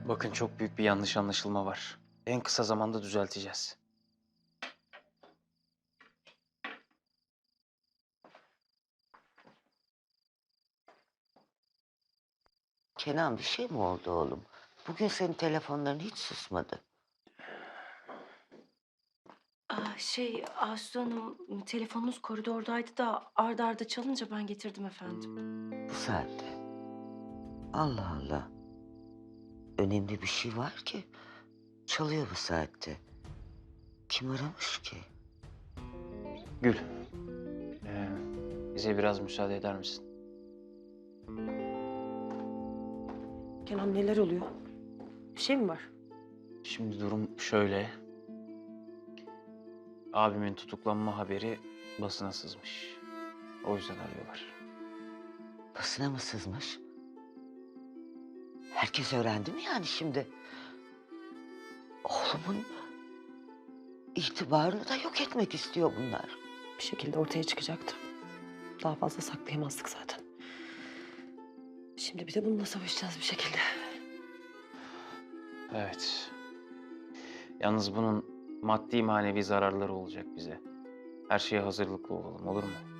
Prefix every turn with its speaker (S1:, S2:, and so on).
S1: Bakın çok büyük bir yanlış anlaşılma var. En kısa zamanda düzelteceğiz.
S2: Kenan bir şey mi oldu oğlum? Bugün senin telefonların hiç susmadı.
S3: Asu Hanım, telefonunuz koridordaydı da arda arda çalınca ben getirdim efendim.
S2: Bu saatte. Allah Allah. Önemli bir şey var ki. Çalıyor bu saatte. Kim aramış ki?
S1: Gül, bize biraz müsaade eder misin?
S3: Kenan neler oluyor? Bir şey mi var?
S1: Şimdi durum şöyle. Abimin tutuklanma haberi basına sızmış. O yüzden arıyorlar.
S2: Basına mı sızmış? Herkes öğrendi mi yani şimdi? Oğlumun itibarını da yok etmek istiyor bunlar.
S3: Bir şekilde ortaya çıkacaktı. Daha fazla saklayamazdık zaten. Şimdi bir de bununla savaşacağız bir şekilde.
S1: Evet. Yalnız bunun maddi manevi zararları olacak bize. Her şeye hazırlıklı olalım, olur mu?